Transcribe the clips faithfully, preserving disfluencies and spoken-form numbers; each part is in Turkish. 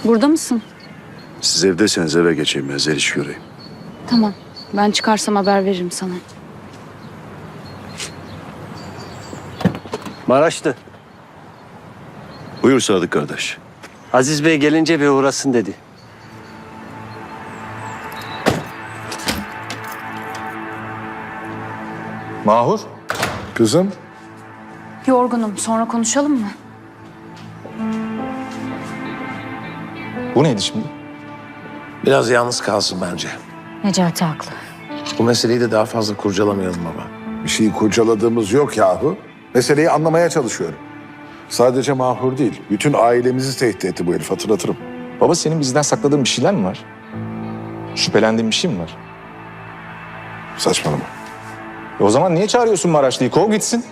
Burada mısın? Siz evdeyseniz eve geçeyim ben Zeliş göreyim. Tamam. Ben çıkarsam haber veririm sana. Maraşlı. Buyur Sadık kardeş. Aziz Bey gelince bir uğrasın dedi. Mahur. Kızım. Yorgunum. Sonra konuşalım mı? Bu neydi şimdi? Biraz yalnız kalsın bence. Necati haklı. Bu meseleyi de daha fazla kurcalamayalım baba. Bir şeyi kurcaladığımız yok yahu. Meseleyi anlamaya çalışıyorum. Sadece Mahur değil, bütün ailemizi tehdit etti bu herif, hatırlatırım. Baba senin bizden sakladığın bir şeyler mi var? Şüphelendiğin bir şey mi var? Saçmalama. E o zaman niye çağırıyorsun Maraşlı'yı? Kov gitsin.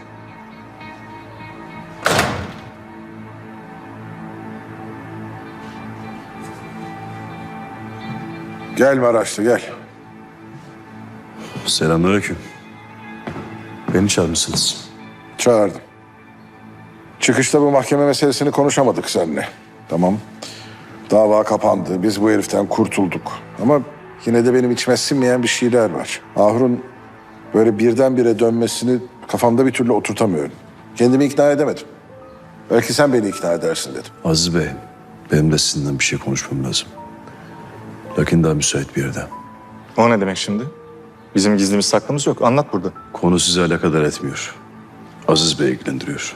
Gel Maraşlı, gel. Selamünaleyküm. Beni çağırmışsınız. Çağırdım. Çıkışta bu mahkeme meselesini konuşamadık seninle. Tamam. Dava kapandı, biz bu heriften kurtulduk. Ama yine de benim içime sinmeyen bir şeyler var. Mahur'un böyle birdenbire dönmesini kafamda bir türlü oturtamıyorum. Kendimi ikna edemedim. Belki sen beni ikna edersin dedim. Aziz Bey, benim de sizinle bir şey konuşmam lazım. Lakin daha müsait bir yerde. O ne demek şimdi? Bizim gizlimiz saklımız yok. Anlat burada. Konu sizi alakadar etmiyor. Aziz Bey ilgilendiriyor.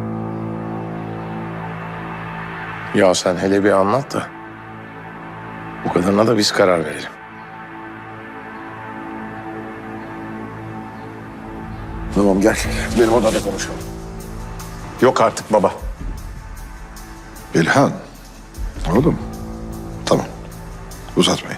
Ya sen hele bir anlat da. Bu kadarına da biz karar verelim. Tamam gel, benim odada konuşalım. Yok artık baba. İlhan, oğlum. Tamam, uzatmayın.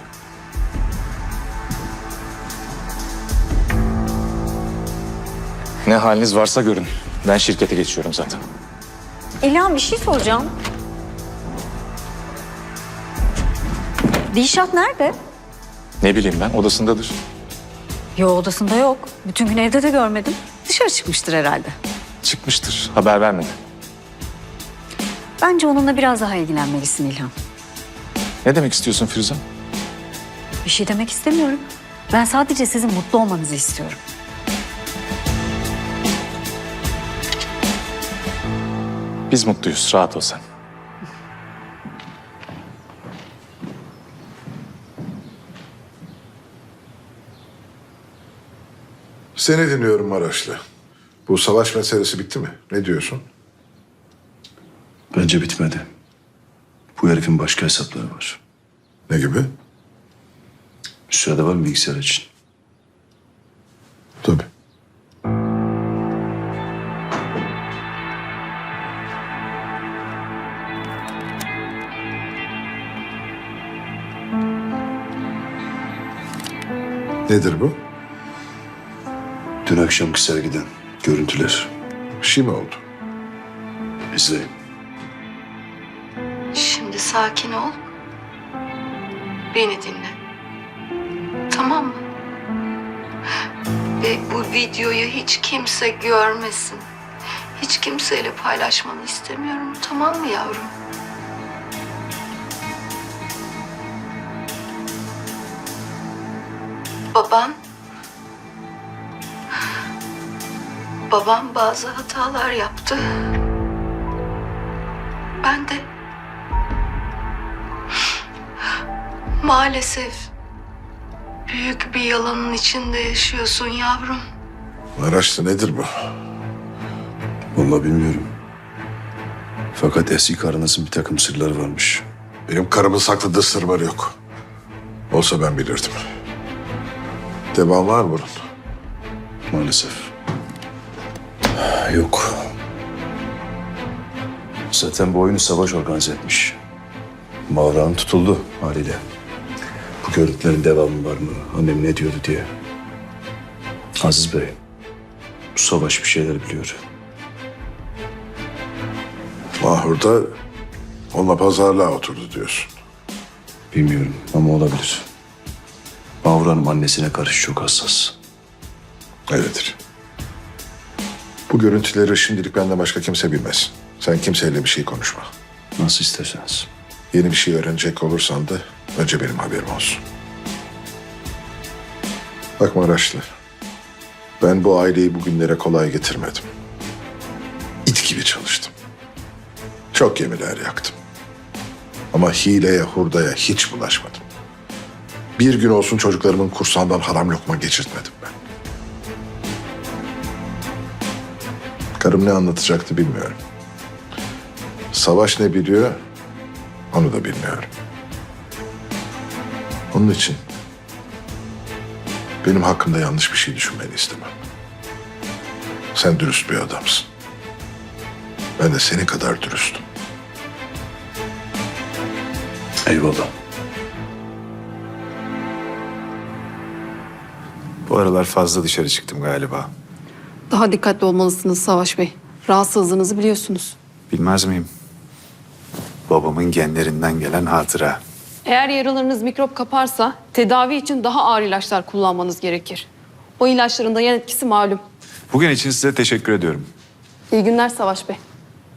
Ne haliniz varsa görün. Ben şirkete geçiyorum zaten. İlhan bir şey soracağım. Dilşat nerede? Ne bileyim ben, odasındadır. Yo odasında yok. Bütün gün evde de görmedim. Dışarı çıkmıştır herhalde. Çıkmıştır, haber vermedi. Bence onunla biraz daha ilgilenmelisin İlhan. Ne demek istiyorsun Firuze? Bir şey demek istemiyorum. Ben sadece sizin mutlu olmanızı istiyorum. Biz mutluyuz, rahat ol sen. Seni dinliyorum Maraşlı. Bu savaş meselesi bitti mi? Ne diyorsun? Bence bitmedi. Bu herifin başka hesapları var. Ne gibi? Müsaade var mı bilgisayar için? Tabii. Nedir bu? Dün akşamki sergiden görüntüler. Bir şey mi oldu? İzleyin. Şimdi sakin ol. Beni dinle. Tamam mı? Ve bu videoyu hiç kimse görmesin. Hiç kimseyle paylaşmanı istemiyorum. Tamam mı yavrum? Baban... Babam bazı hatalar yaptı. Ben de... Maalesef büyük bir yalanın içinde yaşıyorsun yavrum. Maraşlı nedir bu? Vallahi bilmiyorum. Fakat eski karınızın bir takım sırları varmış. Benim karımın sakladığı sır var yok. Olsa ben bilirdim. Devam var mı bunun? Maalesef. Yok. Zaten bu oyunu savaş organize etmiş. Mağaranın tutuldu haliyle. Bu görüntülerin devamı var mı? Annem ne diyordu diye. Aziz Bey, bu savaş bir şeyler biliyor. Mahur da onunla pazarlığa oturdu diyorsun. Bilmiyorum ama olabilir. Mahur Hanım annesine karşı çok hassas. Öyledir. Bu görüntüleri şimdilik benden başka kimse bilmez. Sen kimseyle bir şey konuşma. Nasıl isterseniz. Yeni bir şey öğrenecek olursan da önce benim haberim olsun. Bak Maraşlı, ben bu aileyi bugünlere kolay getirmedim. İt gibi çalıştım. Çok gemiler yaktım. Ama hileye, hurdaya hiç bulaşmadım. Bir gün olsun çocuklarımın kursağından haram lokma geçirtmedim ben. Karım ne anlatacaktı bilmiyorum. Savaş ne biliyor, onu da bilmiyorum. Onun için benim hakkımda yanlış bir şey düşünmeni istemem. Sen dürüst bir adamsın. Ben de senin kadar dürüstüm. Eyvallah. Bu aralar fazla dışarı çıktım galiba. Daha dikkatli olmalısınız Savaş Bey. Rahatsızlığınızı biliyorsunuz. Bilmez miyim? Babamın genlerinden gelen hatıra. Eğer yaralarınız mikrop kaparsa tedavi için daha ağır ilaçlar kullanmanız gerekir. O ilaçların da yan etkisi malum. Bugün için size teşekkür ediyorum. İyi günler Savaş Bey.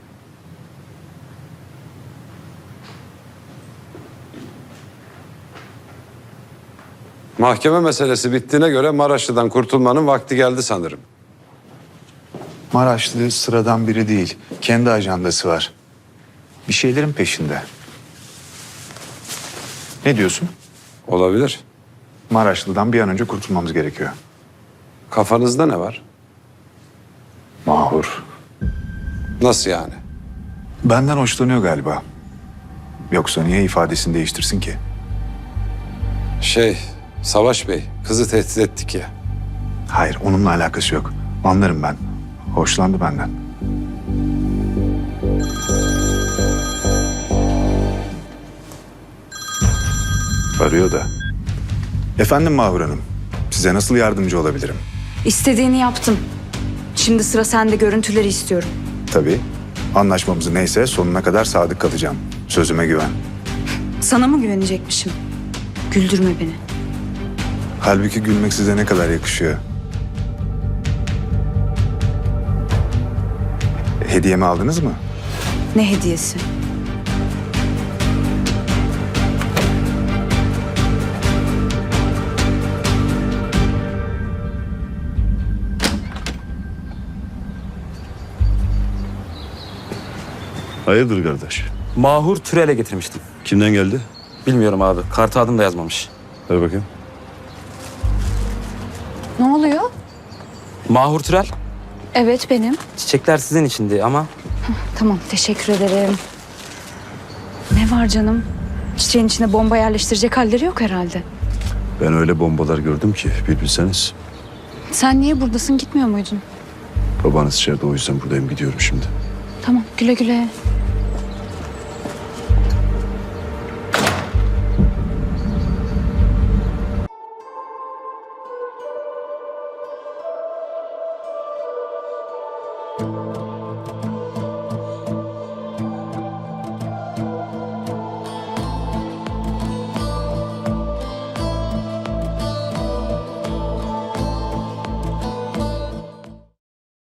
Mahkeme meselesi bittiğine göre Maraşlı'dan kurtulmanın vakti geldi sanırım. Maraşlı sıradan biri değil. Kendi ajandası var. Bir şeylerin peşinde. Ne diyorsun? Olabilir. Maraşlı'dan bir an önce kurtulmamız gerekiyor. Kafanızda ne var? Mahur. Nasıl yani? Benden hoşlanıyor galiba. Yoksa niye ifadesini değiştirsin ki? Şey, Savaş Bey, kızı tehdit ettik ya. Hayır, onunla alakası yok. Anlarım ben. Hoşlandı benden. Arıyor da. Efendim Mahur Hanım, size nasıl yardımcı olabilirim? İstediğini yaptım. Şimdi sıra sende, görüntüleri istiyorum. Tabii. Anlaşmamız neyse sonuna kadar sadık kalacağım. Sözüme güven. Sana mı güvenecekmişim? Güldürme beni. Halbuki gülmek size ne kadar yakışıyor. Hediyemi aldınız mı? Ne hediyesi? Hayırdır kardeş? Mahur Türel'e getirmiştim. Kimden geldi? Bilmiyorum abi. Kartı adım da yazmamış. Ver bakayım. Ne oluyor? Mahur Türel. Evet, benim. Çiçekler sizin içindi ama Tamam, teşekkür ederim. Ne var canım? Çiçeğin içine bomba yerleştirecek halleri yok herhalde. Ben öyle bombalar gördüm ki bir bilseniz. Sen niye buradasın, gitmiyor muydun? Babanız içeride, o yüzden buradayım, gidiyorum şimdi. Tamam, güle güle.